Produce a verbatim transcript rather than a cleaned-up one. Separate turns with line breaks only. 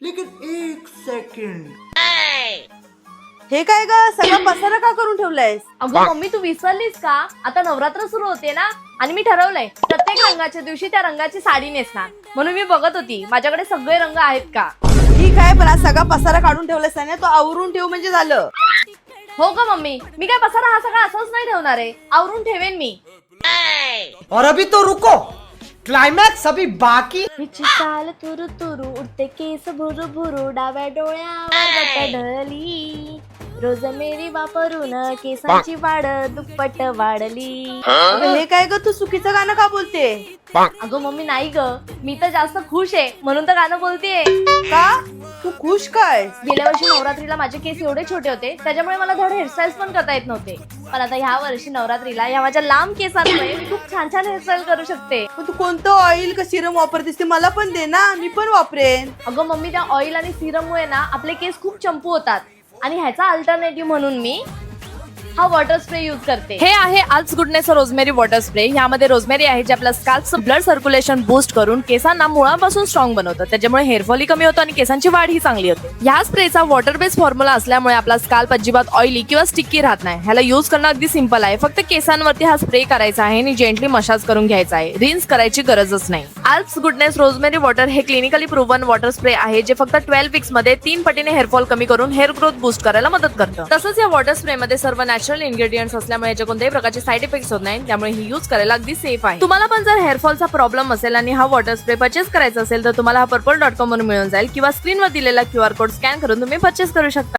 लेकिन एक सेकंड,
हे काय ग, सगळं पसारा का करून ठेवलंयस?
अगं मम्मी तू विसरलीस का? आता नवरात्र सुरू होते ना, आणि मी ठरवलंय प्रत्येक रंगाच्या दिवशी त्या रंगाची साडी नेसणार. म्हणून मी बघत होती माझ्याकडे सगळे रंग आहेत का.
ठीक आहे, पण आज सगळा पसारा काढून ठेवलायस ना, तो आवरून ठेव म्हणजे झालं.
हो का मम्मी, मी काय पसारा हा सगळा असंच नाही ठेवणार आहे, आवरून ठेवेन मी.
और अभी तो रुको, क्लाइमैक्स अभी बाकी.
हिची चाल तुरु तुरु, उडते केस भुरु भुरु, डाव्या डोळ्यावर ढळली, रोज मेरी वापरून केसांची वाढ दुप्पट वाढली.
अगं, हे काय ग, तू चुकीचं गाणं का बोलते?
अगं मम्मी नाही ग, मी तर जास्त खुश आहे म्हणून तर गाणं बोलतेय.
का तू खुश काय?
गेल्या वर्षी नवरात्रीला माझे केस एवढे छोटे होते, त्याच्यामुळे मला धड हेअरस्टाईल पण करता येत नव्हते. पण आता ह्या वर्षी नवरात्रीला या माझ्या लांब केसांमुळे मी खूप छान छान हेअरस्टाईल करू शकते.
पण तू कोणतं ऑइल का सिरम वापरतेस ते मला पण दे ना, मी पण वापरेन.
अगं मम्मी, त्या ऑइल आणि सिरममुळे ना आपले केस खूप चंपू होतात, आणि ह्याचा अल्टरनेटिव्ह म्हणून मी हा वॉटर स्प्रे यूज करते. हे आहे Alps goodness rosemary water spray. यामध्ये रोजमेरी आहे जे आपल्या स्कॅल्पचं ब्लड सर्क्युलेशन बूस्ट करून केसांना मुळापासून स्ट्रॉंग बनवतं. त्याच्यामुळे हेअरफॉलही कमी होतो आणि केसांची वाढ ही चांगली होते. या स्प्रेचा वॉटर बेस्ड फॉर्म्युला असल्यामुळे आपला स्कॅल्प अजिबात ऑइली किंवा स्टिकी राहत नाही. ह्याला यूज करणं अगदी सिंपल आहे. फक्त केसांवरती हा स्प्रे करायचा आहे आणि जेंटली मसाज करून घ्यायचा आहे. रिन्स करायची गरजच नाही. आल्प्स गुडनेस रोजमेरी वॉटर हे क्लिनिकली प्रूव्हन वॉटर स्प्रे आहे जे फक्त ट्वेल्व वीक्स मध्ये तीन पटीने हेअरफॉल कमी करून हेअर ग्रोथ बूस्ट करायला मदत करतं. तसंच या वॉटर स्प्रे मध्ये सर्व नॅचरल इन्ग्रेडियंट्स असल्यामुळे याचे कोणत्याही प्रकारचे साईड इफेक्ट्स होत नाही. त्यामुळे ही यूज करायला अगदी सेफ आहे. तुम्हाला पण जर हेअरफॉलचा प्रॉब्लेम असेल आणि हा वॉटर स्प्रे परचेस करायचा असेल तर तुम्हाला हा पर्पल डॉट कॉम वरून मिळून जाईल, किंवा स्क्रीनवर दिलेला क्यू आर कोड स्कॅन करून तुम्ही परचेस करू शकता.